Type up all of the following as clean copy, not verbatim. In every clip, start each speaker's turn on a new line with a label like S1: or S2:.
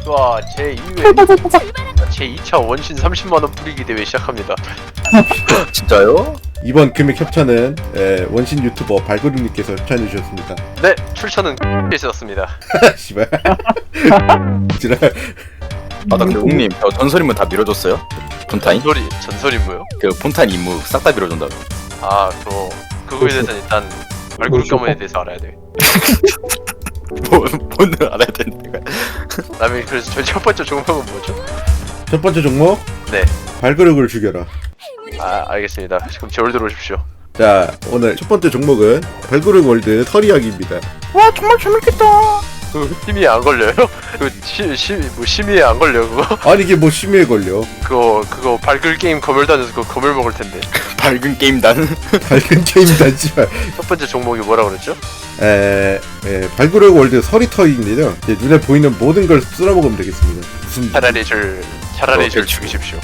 S1: 와, 제2차 원신 30만원 뿌리기 대회 시작합니다.
S2: 진짜요?
S3: 이번 금액 협찬은 원신 유튜버 발그룹님께서 협찬해 주셨습니다.
S1: 네, 출처는 있었습니다.
S3: 씨발. 지랄.
S2: 아, 나 형님 저 전설 임무 다 밀어줬어요? 폰타인?
S1: 전설 임무요?
S2: 그 폰타인 임무 싹 다 밀어준다.
S1: 아, 그거에 대해서는 일단 말그룹 가문에 대해서 알아야 돼.
S2: 뭔을 알아야 되는데.
S1: 그다음에 그래서 저희 첫 번째 종목은 뭐죠?
S3: 첫 번째 종목
S1: 네.
S3: 발그룹을 죽여라.
S1: 아, 알겠습니다. 그럼 저를 들어오십시오.
S3: 자, 오늘 첫 번째 종목은 발그룹 월드 서리하기입니다.
S2: 와 정말 재밌겠다.
S1: 그 심의에 안 걸려요? 뭐 심의에 안 걸려 그거?
S3: 아니 이게 뭐 심의에 걸려?
S1: 그거 발글 게임 검을 다녀서 그거 검을 먹을 텐데.
S2: 밝은 게임단.
S3: 밝은 게임단 씨발.
S1: 첫 번째 종목이 뭐라 그랬죠?
S3: 발그룹 월드 서리터기인데요. 이제 눈에 보이는 모든 걸 쓸어먹으면 되겠습니다. 무슨
S1: 차라리 절 죽이십시오.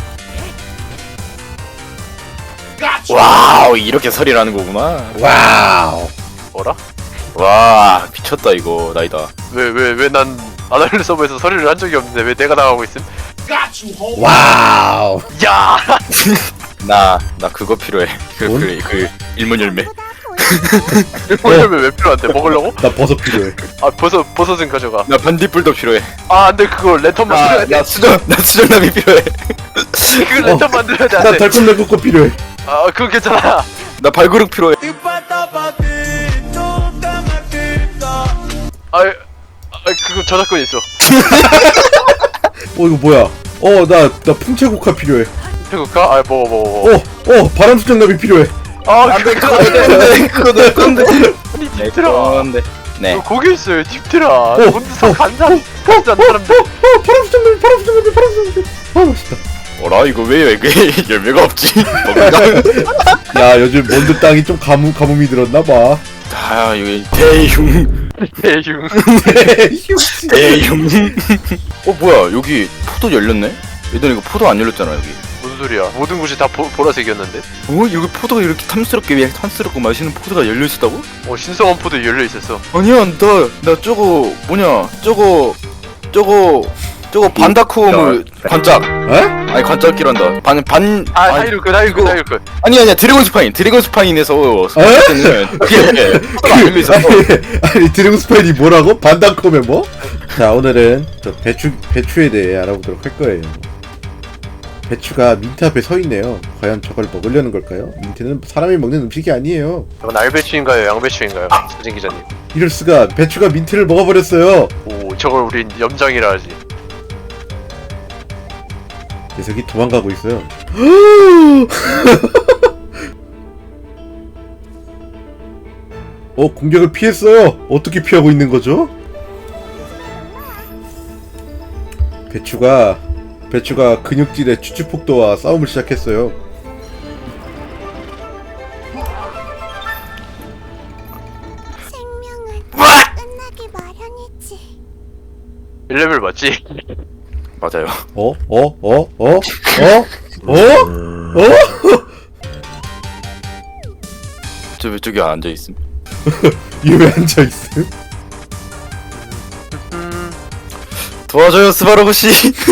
S2: 와우 이렇게 설이를 하는 거구나.
S3: 와우.
S1: 뭐라?
S2: 와 미쳤다 이거 나이다.
S1: 왜 난 아날리 서버에서 서류를 한 적이 없는데 왜 내가 나가고 있음?
S3: 와우.
S1: 야!
S2: 나 그거 필요해.
S3: 뭔?
S2: 그 일문 열매.
S1: 일본열매 왜 필요한데? 먹으려고?
S3: 나 버섯 필요해.
S1: 아 버섯은 가져가.
S2: 나 반딧불도 필요해.
S1: 아 안돼 그거 랜턴 만들어야 돼.
S2: 나 수정남이 필요해.
S1: 그거 랜턴 만들어야 돼.
S3: 나
S1: 안돼.
S3: 달콤달콤 거 필요해.
S1: 아 그거 괜찮아.
S2: 나 발그룹 필요해.
S1: 그거 저작권 있어.
S3: 이거 뭐야? 나 풍채국화 필요해.
S1: 태국가? 아 먹어.
S3: 바람수정납이 필요해.
S1: 아
S2: 안돼
S1: 그거
S2: 그거 내 건데.
S1: 아니
S2: 내
S1: 딥트라.
S2: 건데. 네.
S1: 그거 거기 있어요 딥트라. 혼자서 간장 사람들.
S3: 바람수정납이. 맛있다.
S2: 어라 이거 왜 열매가 없지? 먹을까?
S3: 야, 요즘 몬드 땅이 좀 가뭄이 들었나봐.
S2: 아 여기 대흉.
S1: 대흉.
S2: 대흉. 뭐야 여기 포도 열렸네? 얘들 이거 포도 안 열렸잖아 여기.
S1: 무슨 소리야? 모든 곳이 다 보라색이었는데?
S2: 여기 포도가 이렇게 탐스럽고 맛있는 포도가 열려 있었다고?
S1: 신성한 포도 열려 있었어.
S2: 아니야 나 저거 뭐냐 저거 반다크홈을 관짝.
S3: 에?
S2: 아니 관짝기란다.
S1: 하이루크.
S2: 아니야 드래곤 스파인에서 때는 그게 포도가 안 열려 있었어.
S3: 아니 드래곤 스파인이 뭐라고? 반다컴에 뭐? 자, 오늘은 저 배추에 대해 알아보도록 할 거예요. 배추가 민트 앞에 서 있네요. 과연 저걸 먹으려는 걸까요? 민트는 사람이 먹는 음식이 아니에요.
S1: 이건 알배추인가요? 양배추인가요? 사진 기자님.
S3: 이럴 수가, 배추가 민트를 먹어버렸어요.
S1: 오, 저걸 우린 염장이라 하지.
S3: 녀석이 도망가고 있어요. 공격을 피했어요. 어떻게 피하고 있는 거죠? 배추가 근육질의 추추폭도와 싸움을 시작했어요.
S4: 생명은 끝나기 마련이지.
S1: 1레벨 맞지?
S2: 맞아요. 저기 앉아 있음.
S3: 얘 왜 앉아있음?
S2: 도와줘요 스바로그 씨.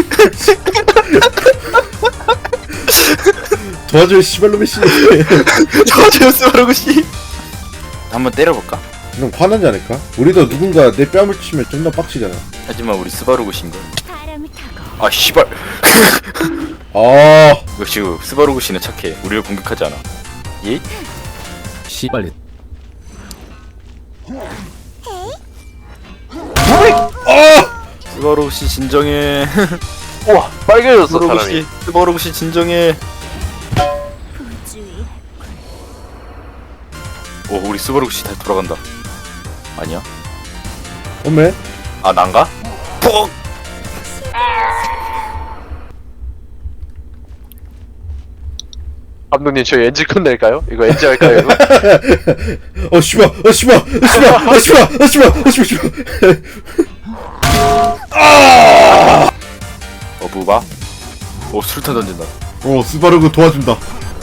S3: 도와줘요 씨발놈의 씨.
S2: 도와줘요 스바로그 씨. 한번 때려볼까?
S3: 그럼 화나지 않을까? 우리도 누군가 내 뺨을 치면 존나 빡치잖아.
S2: 하지만 우리 스바로그 씨인걸.
S4: 바람을 타고
S2: 아 씨발.
S3: 아,
S2: 역시 스바로그 씨는 착해. 우리를 공격하지 않아. 예?
S5: 씨발.
S2: 스바로그 씨 진정해.
S1: 우와, 빨개졌어
S2: 스바로그
S1: 사람이.
S2: 씨, 스바로그 씨 진정해.
S4: 부주의
S2: 우리 스바로그 씨 다시 돌아간다. 아니야?
S3: 어메?
S2: 아 난가? 폭!
S1: 감독님 저희 엔지 끝낼까요? 이거 엔지 할까요 이거?
S3: 씨발.
S2: 부바? 술탄 던진다.
S3: 스바르그 도와준다.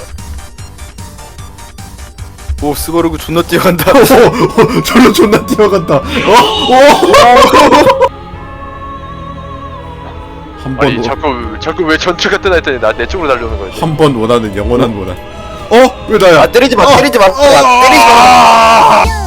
S2: 스바르그 존나 뛰어간다.
S3: 절로 존나 뛰어간다.
S1: 아니 자꾸 왜 전투가 뜨나 했더니 나 내 쪽으로 달려오는 거야.
S3: 한 번 원하는 영원한 원한. 왜 나야?
S2: 아 때리지 마 때리지 마 때리지 마.